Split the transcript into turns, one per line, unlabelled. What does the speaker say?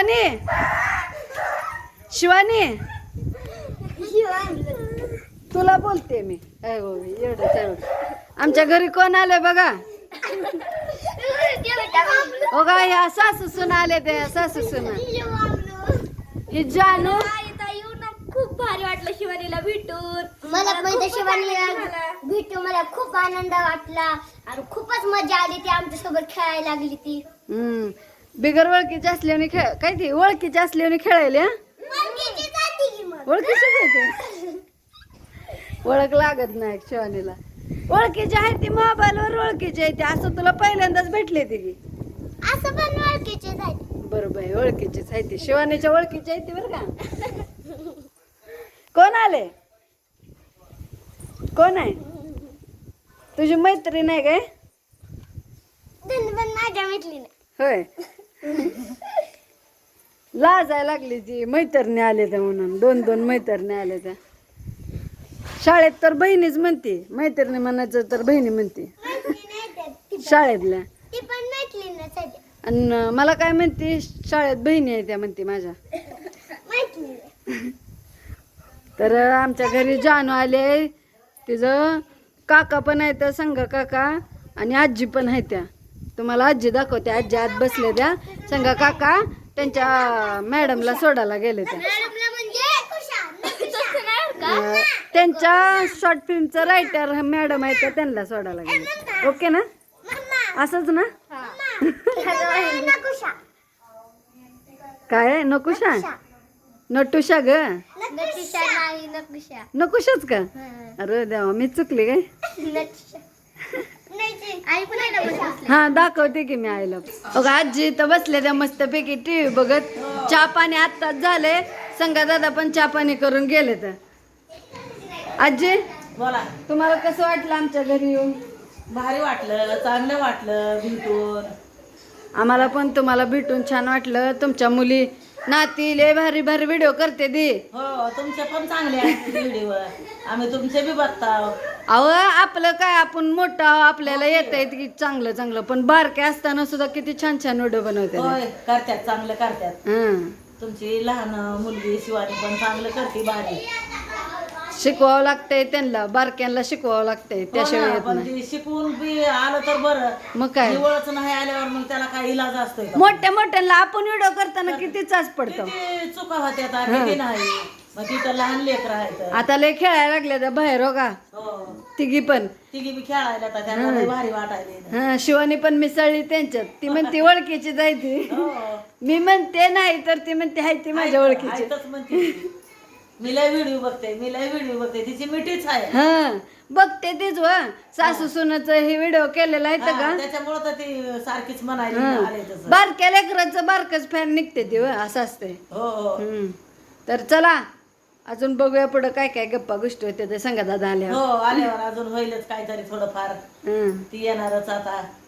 शिवानी शिवानी तुला बोलते मी. एवढंच आहे बघ. आमच्या घरी कोण आले बघा. हो का ह्या सासू सुना आले ते सासू सुना. ही जानू
खूप भारी वाटलं शिवानीला भेटून.
मला पण शिवानीला भेटून मला खूप आनंद वाटला आणि खूपच मजा आली. ती आमच्या सोबत खेळायला लागली ती.
बिगर ओळखीची असल्याने खेळ काय ती ओळखीची असल्याने खेळायला. ओळखीची काय ते ओळख लागत नाही शिवानीला. ओळखीची आहे ती मोबाईलवर ओळखीची आहे ती. असं तुला पहिल्यांदाच भेटले ती की
असं पण ओळखीचे झाले.
बरोबर आहे ओळखीचीच आहे ती. शिवानीच्या ओळखीची आहे ती बरं का. कोण आले कोण आहे तुझी मैत्रीण आहे काय.
पण माझ्या मैत्रिणी
होय लाजायला लागली ती. मैत्रिणी आले त्या म्हणून 2-2 मैत्रिणी आले त्या. शाळेत तर बहिणीच म्हणते. मैत्रिणी म्हणायचं तर बहिणी म्हणते शाळेतल्या.
ती पण मैत्रिणीच आहे.
आणि मला काय म्हणते शाळेत बहिणी आहे त्या म्हणते माझ्या.
मैत्रिणी
तर आमच्या घरी जानू आले. तिचं काका पण आहे तर संघ काका आणि आजी पण आहे त्या. तुम्हाला आजी दाखवते. आजी आत बसले त्या. संघ काका त्यांच्या मॅडमला सोडायला गेले त्या. त्यांच्या शॉर्ट फिल्मचं रायटर मॅडम आहे तर त्यांना सोडायला गेले. ओके ना असंच ना. काय नकुशा नटुशा ग नकुशाच का. अरे देवा मी चुकली काय. हा दाखवते की मी आईला. बघा आजी तर बसले त्या मस्तपैकी टीव्ही बघत. चहा पाणी आत्ताच झाले. संगा दादा पण चहा पाणी करून गेले. तर आजी
बोला.
तुम्हाला कसं वाटलं आमच्या घरी येऊन.
भारी वाटलं चांगलं वाटलं भेटून.
आम्हाला पण तुम्हाला भेटून छान वाटलं. तुमच्या मुली नाती लय भारी भारी व्हिडिओ करते दी.
हो तुमचे पण चांगले आहेत व्हिडिओ. आम्ही तुमचे बी बघता.
अहो आपलं काय आपण मोठं आहो, आपल्याला येत आहे की चांगलं चांगलं. पण बारके असताना सुद्धा किती छान छान व्हिडिओ बनवते.
होय करतात चांगलं करतात.
हं
तुमची लहान मुलगी शिवानी पण चांगलं करते भारी.
शिकवावं लागतंय त्यांना. बारक्यांना शिकवावं लागतंय त्याशिवाय येत
पण
नाही.
ती शिकून बी आलं तर बरं.
मग काय
निवळच नाही आल्यावर मग त्याला काही इलाज असतोय का.
मोठ्या मोठ्यांना आपण व्हिडिओ करताना किती चाच पडतो.
किती चुका होत्या किती नाही. मग तिथं लहान लेकर आहेत.
आता लय खेळायला लागले त्या बाहेर हो का.
हो
तिघी पण
तिघी बी खेळायला तर त्यांना लय भारी वाटायला.
हा शिवानी पण मिसळली त्यांच्यात. ती म्हणते ओळखीची जायची.
हो
मी म्हणते नाही तर ती म्हणते हाय ती माझ्या ओळखीची.
ऐकतच म्हणते ती. मी लय व्हिडिओ बघते तिची मिठीच आहे.
हा बघते तीच व सासू सुनाचं हे व्हिडिओ केलेला आहे का.
त्याच्यामुळे तर ती सारखीच म्हणायली आले तसं.
बारक्या लेकरांचं बारकच फॅन निघते ती व असं असते.
हो हो
तर चला अजून बघूया पुढं काय काय गप्पा गोष्टी होते ते संगा दादा आल्या.
हो आल्यावर अजून होईलच काहीतरी थोडंफार. ती येणारच आता.